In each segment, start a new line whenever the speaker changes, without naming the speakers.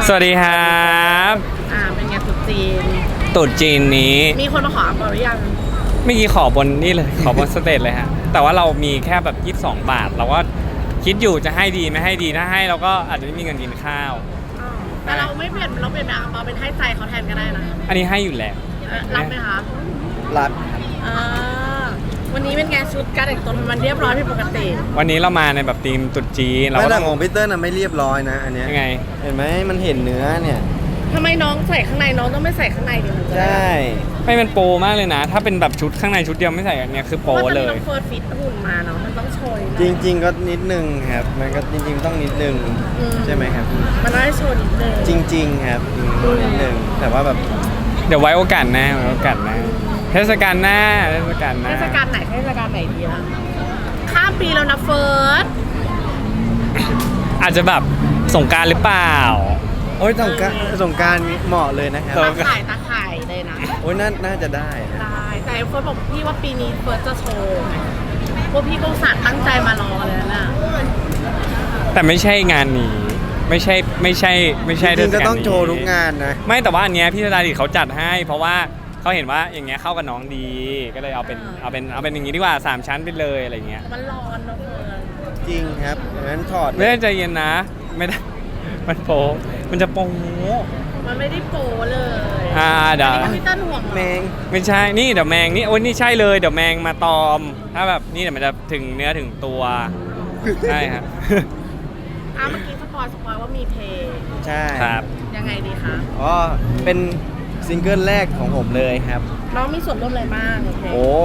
สวัสดีครับ
เป็นไงตุ๊จีน
ตุ๊จีนนี้
มีคนมาขออัพหรือยัง
เมื่อกี้ขอบนนี่เลยขอบนสเตจเลยฮะแต่ว่าเรามีแค่แบบ22 บาทเราก็คิดอยู่จะให้ดีไม่ให้ดีถ้าให้เราก็อาจจะไม่มีเงินกินข้าว
แต่เราไม่เปลี่ยนเราเปลี่ยนแบบเราเป็นให้ใจเขาแทนก็ได้นะ
อันนี้ให้อยู่แล้ว
รับไหมคะ
รับ
วันนี้เป็นไงชุดการแต่งตัวมันเรียบร้อยผิดปกติ
วันนี้เรามาในแบบธีมตุ๊จีนเรา
แต่ของพีเตอร์น่ะไม่เรียบร้อยนะอันเนี้ย
ยังไง
เห็นไหมมันเห็นเนื้อเนี่ย
ทำไมน้องใส่ข้างในน้องต้องไม่ใส่ข้างในดิ
ใช่
ไม่เป็นโปรมากเลยนะถ้าเป็นแบบชุดข้างในชุดเดียวไม่ใส่อันนี้คือโปรเลย
เฟิร์สฟิตหุ่นมาเนาะมันต้องโชย
จริงๆก็นิดนึงครับมันก็จริงๆต้องนิดนึงใช่ไหมครับ
มันต้องโชว์นิดนึง
จริงๆครับนิดนึงแต่ว่าแบบ
เดี๋ยวไว้โอกาสหน้าเทศกาลหน้า
เทศกาลไหนเทศกาลไหนดีล่ะข้ามปีแล้วนะเฟิร์ส
อาจจะแบบสงกรานต์หรือเปล่า
โอ้ยสงกรานต์เหมาะเลยนะครับ
ตาข่ายเลยนะ
โอ้ยน่าจะได้
แต่เฟิร์สบอกพี่ว่าปีนี้เฟิร์สจะโชว์พวกพี่ก็อุตส่าห์ตั้งใจมารอเลยนะ
แต่ไม่ใช่งานนี้ไม่ใช่
จริงๆก็ต้องโชว์ทุกงานนะ
ไม่แต่ว่าอันเนี้ยพี่ธดาดิษฐ์เขาจัดให้เพราะว่าเขาเห็นว่าอย่างเงี้ยเข้ากับน้องดีก็เลยเอาเป็นอย่างงี้ดีกว่า3ชั้นไปเลยอะไรเงี้ย
มันร้อนเนอะเฟิร์
สจริงครับงั้นถอด
ไม่ได้ใจเย็นนะไม่ได้มันโปมันจะโป
มันไม่ได้โปเลย
เดี๋ยว
พี่ต้นห่วง
แมง
ไม่ใช่นี่เดี๋ยวแมงนี่โอ้ยนี่ใช่เลยเดี๋ยวแมงมาตอมถ้าแบบนี่เดี๋ยวมันจะถึงเนื้อถึงตัวใช่ครับ
เมื่อกี้สปอยว่ามีเพลง
ใช่
ครับ
ยังไงดีคะ
เป็นซิงเกิลแรกของผมเลยครับ
น้องมีส่วนร่วมอะไรบ้าง
โอ้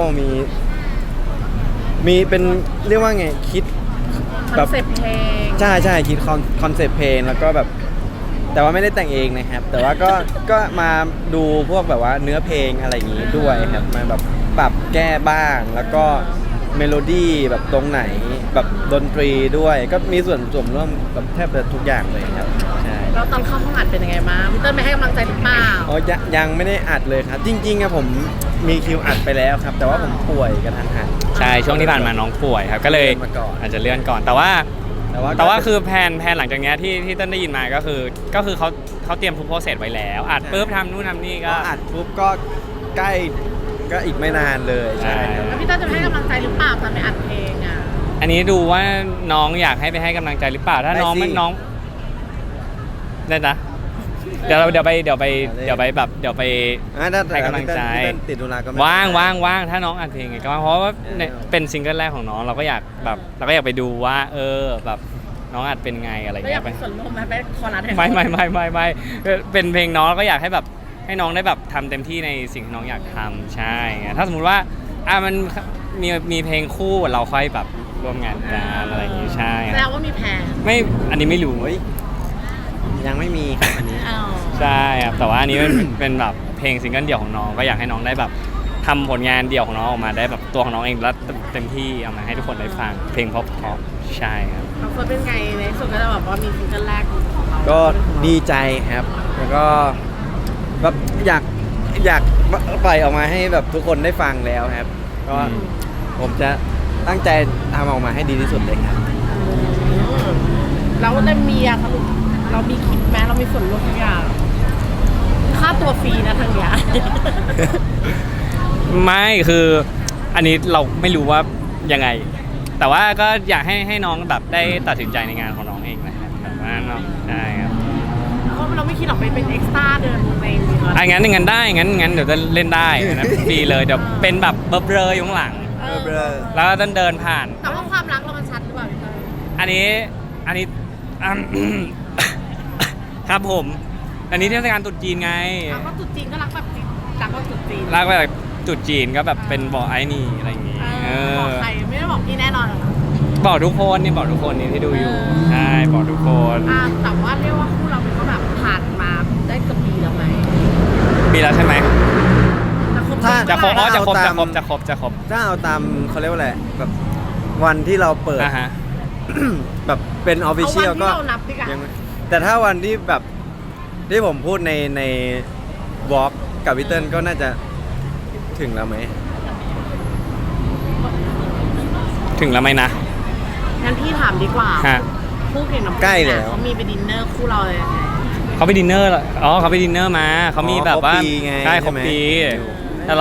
มีเป็นเรียกว่าไงคิด
คอนเซปต์เพลง
ใช่คิดคอนเซปต์เพลงแล้วก็แบบแต่ว่าไม่ได้แต่งเองนะครับแต่ว่าก็มาดูพวกแบบว่าเนื้อเพลงอะไรอย่างงี้ด้วยครับมาแบบปรับแก้บ้างแล้วก็เมโลดี้แบบตรงไหนแบบดนตรีด้วยก็มีส่วนร่วมกับแทบจะทุกอย่างเลยครับใช่
แล้วตอนเข้าห้องอัดเป็นยังไงบ้างพี่เติ้ลไปให้กำลังใจหรือเปล่า
ยังไม่ได้อัดเลยครับจริงๆผมมีคิวอัดไปแล้วครับแต่ว่าผมป่วยกระทันหัน
ใช่ช่วงที่ผ่านมาน้องป่วยครับก็เลยอาจจะเลื่อนก่อนแต่ว่าคือแผนหลังจากนี้ที่ต้นได้ยินมาก็คือเขาเตรียมทุกโปรเซสไว้แล้วอัดปุ๊บทำนู่นทำนี่ก็
อัดปุ๊บก็ใกล้ก็อีกไม่นานเลยใช่
แล้วพี่ต้นจะให้กำลังใจหรือเปล่าตอนไปอัดเพลง
อันนี้ดูว่าน้องอยากให้ไปให้กำลังใจหรือเปล่าถ้าน้องได้นะเดี๋ยวไปให้กำลังใจ
ติดธุระก็
ว่างถ้าน้องอัดเพลงไงก็เพราะว่าเป็นซิงเกิลแรกของน้องเราก็อยากไปดูว่าแบบน้องอัดเป็นไงอะไรเงี้ย
ไปส่วนร่วมไปคอรัส
ไม่เป็นเพลงน้องเราก็อยากให้แบบให้น้องได้แบบทำเต็มที่ในสิ่งที่น้องอยากทำใช่ไงถ้าสมมติว่ามันมีเพลงคู่เราค่อยแบบร่วมงานกันอะไรอย่างงี้ใช่
แล้วว่ามีแผน
ไม่อันนี้ไม่รู้
ยังไม่มีครับอันนี้
ใช่ครับแต่ว่าอันนี้เป็นแบบเพลงซิงเกิลเดี่ยวของน้องก็อยากให้น้องได้แบบทำผลงานเดี่ยวของน้องออกมาได้แบบตัวของน้องเองแล้วเต็มที่เอามาให้ทุกคนได้ฟังเพลงเพราะใช่ครับ
เฟิร์สเป็นไงในสุดก็จะแบบว่ามีซิงเกิลแรกของเรา
ก็ดีใจครับแล้วก็แบบอยากปล่อยออกมาให้แบบทุกคนได้ฟังแล้วครับก็ผมจะตั้งใจทำออกมาให้ดีที่สุดเลยครับ
แล้วได้มีเรามีคิดไหมเรามีส่วนร่วมทุกอย่างค่าตัวฟรีนะทางเนี้ย
ไม่คืออันนี้เราไม่รู้ว่ายังไงแต่ว่าก็อยากให้น้องแบบได้ตัดสินใจในงานของน้องเองนะครับแบบว่าน้องใช่ครับ
เราไม่คิดหรอกเป็นเอ็กซ์ตร้าเดินใน
งั้นได้งั้นเดี๋ยวจะเล่นได้นะฟรีเลยเดี๋ยวเป็นแบบเบลออยู่ข้างหลังแล้วก็เดินผ่าน
แต่ว่าความรักเรามันชัดหรือเปล่า
อันนี้ครับผมอันนี้เทศกาลตรุษจีนไง
ก็ตรุษจีนก็รักแบบรักแบบตรุษจีน
รักแบบตรุษจีนก็แบบเป็นบอกไอ้นี่อะไรอย่างงี้
บอกใครไม่ได้บอกพี่แน่นอน
บอกทุกคนนี่ที่ดูอยู่ใช่บอกทุกคน
แต่ว่าเรียกว่าคู่เราเป็นก็แบบผ่านมาได้เกือบปีแล้วไหม
ปีแล้วใช่ไหมจะครบถ้าเอาต
ามเขาเรียกว่าอะไรแบบวันที่เราเปิดแบบเป็นออฟฟิเชียลก็แต่ถ้าวันที่แบบที่ผมพูดในวอล์กกับวิเติ้ลก็น่าจะถึงแล้วไหม
นะ
งั้นพี่ถามดีกว่าคู่เก่งน้ำใกล้แล้วเขามีไปดินเนอร์คู่เราเลยยังไง
เขาไปดินเนอร์เหรออ๋อเขาไปดินเนอร์มาเขามีแบบว่า
ครบปีไง
ใช่ครบ
ใช่ไหม
ปีแต่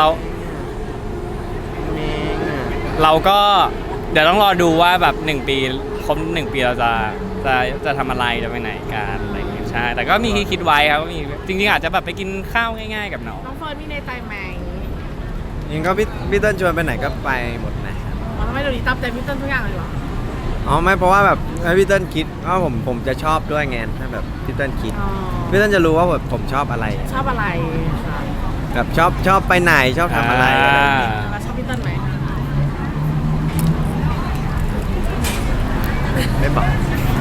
เราก็เดี๋ยวต้องรอดูว่าแบบ1 ปีครบ1 ปีเราจะทำอะไรจะไปไหนกันอะไรอย่างเงี้ยใช่แต่ก็มีคิดไว้ครับว่ามีจริงๆอาจจะแบบไปกินข้าวง่ายๆกับน้อง
น้องเฟิร์นมีในใจไหม
ยังก็พี่เติ้ลชวนไปไหนก็ไปหมดนะครับ
อ๋อทำไมเดี๋ยวนี้ตามใจพี่เติ้ลทุกอย่างเลยเหรอ
อ๋อไม่เพราะว่าแบบให้พี่เติ้ลคิดว่าผมจะชอบด้วยไงถ้าแบบพี่เติ้ลคิด
อ๋อ
พี่เติ้ลจะรู้ว่าแบบผมชอบอะไร
ชอบอะไรคะ
แบบชอบไปไหนชอบทำอะไรอะไรอย่างเงี้ย
แล้วชอบพี่เติ้ลไหม
ไม่บอก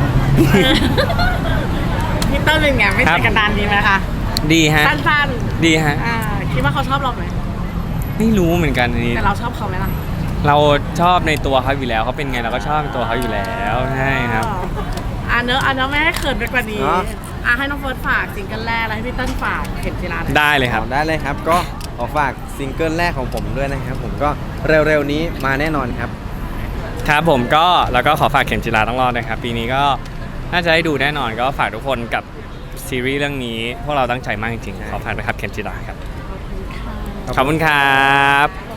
พี่เติ้ลเป็นไงไม่
ครั
ใช่
บ
กันดานดีไหมคะ
ดีฮะ
สั้น
ดีฮะ
ๆคิดว่าเขาชอบเราไหม
ไม่รู้เหมือนกันอันนี้
แต่เราชอบเขาไหมล่ะ
เราชอบในตัวเขาอยู่แล้วเขาเป็นไงเราก็ชอบในตัวเขาอยู่แล้วใช่ครับ
เนอะไม่ให้เขินไปกว่านี้
เนอะ
ให้น้องเฟิร์สฝากซิงเกิลแรกแล้วให้พี่เติ้ลฝากเข็มจีราหน่อย
ได้เลยครับ
ได้เลยครับก็ขอฝากซิงเกิลแรกของผมด้วยนะครับผมก็เร็วๆนี้มาแน่นอนครับ
ครับผมก็แล้วก็ขอฝากเข็มจีราต้องรอดนะครับปีนี้ก็น่าจะได้ดูแน่นอนก็ฝากทุกคนกับซีรีส์เรื่องนี้พวกเราตั้งใจมากจริง
ใช่
ๆขอฝากด้วยครับเข็มจีราครับ
ขอบคุณค่ะ
ขอบคุณครับ